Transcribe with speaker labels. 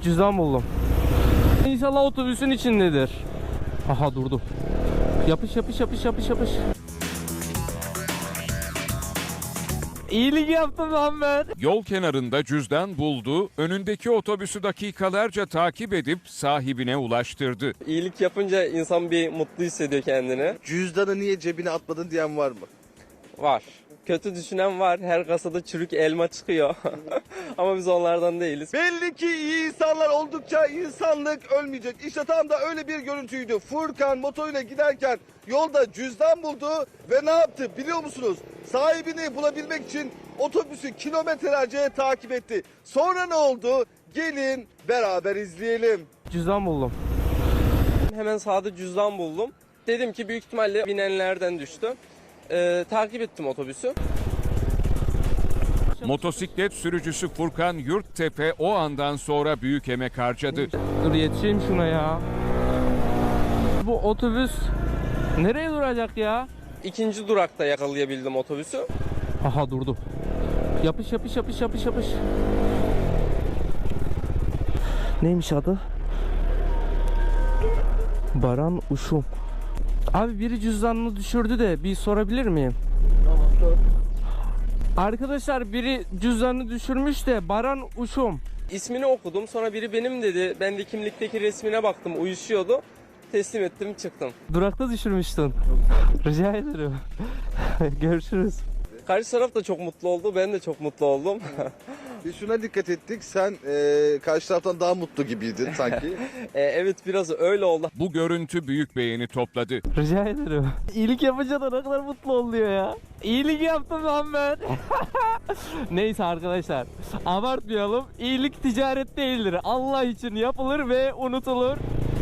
Speaker 1: Cüzdan buldum. İnşallah otobüsün içindedir. Aha durdu. Yapış yapış yapış yapış yapış. İyilik yaptım lan ben.
Speaker 2: Yol kenarında cüzdan buldu, önündeki otobüsü dakikalarca takip edip sahibine ulaştırdı.
Speaker 3: İyilik yapınca insan bir mutlu hissediyor kendini.
Speaker 4: Cüzdanı niye cebine atmadın diyen var mı?
Speaker 3: Var. Kötü düşünen var. Her kasada çürük elma çıkıyor. Ama biz onlardan değiliz.
Speaker 4: Belli ki iyi insanlar oldukça insanlık ölmeyecek. İşte tam da öyle bir görüntüydü. Furkan motoruyla giderken yolda cüzdan buldu ve ne yaptı biliyor musunuz? Sahibini bulabilmek için otobüsü kilometrelerce takip etti. Sonra ne oldu? Gelin beraber izleyelim.
Speaker 1: Cüzdan buldum.
Speaker 3: Hemen sağda cüzdan buldum. Dedim ki büyük ihtimalle binenlerden düştü. Takip ettim otobüsü.
Speaker 2: Motosiklet sürücüsü Furkan Yurttepe o andan sonra büyük emek harcadı.
Speaker 1: Dur yetişeyim şuna ya. Bu otobüs nereye duracak ya?
Speaker 3: İkinci durakta yakalayabildim otobüsü.
Speaker 1: Aha durdu. Yapış yapış yapış yapış yapış. Neymiş adı? Baran Uşum. Abi biri cüzdanını düşürdü de bir sorabilir miyim? Tamam sor. Arkadaşlar biri cüzdanını düşürmüş de Baran Uşum.
Speaker 3: İsmini okudum. Sonra biri benim dedi. Ben de kimlikteki resmine baktım. Uyuşuyordu. Teslim ettim, çıktım.
Speaker 1: Durakta düşürmüştün. Rica ederim. Görüşürüz.
Speaker 3: Karşı taraf da çok mutlu oldu. Ben de çok mutlu oldum.
Speaker 4: Biz şuna dikkat ettik. Sen karşı taraftan daha mutlu gibiydin sanki.
Speaker 3: Evet biraz öyle oldu.
Speaker 2: Bu görüntü büyük beğeni topladı.
Speaker 1: Rica ederim. İyilik yapınca da ne kadar mutlu oluyor ya. İyilik yaptım lan ben. Neyse arkadaşlar. Abartmayalım. İyilik ticaret değildir. Allah için yapılır ve unutulur.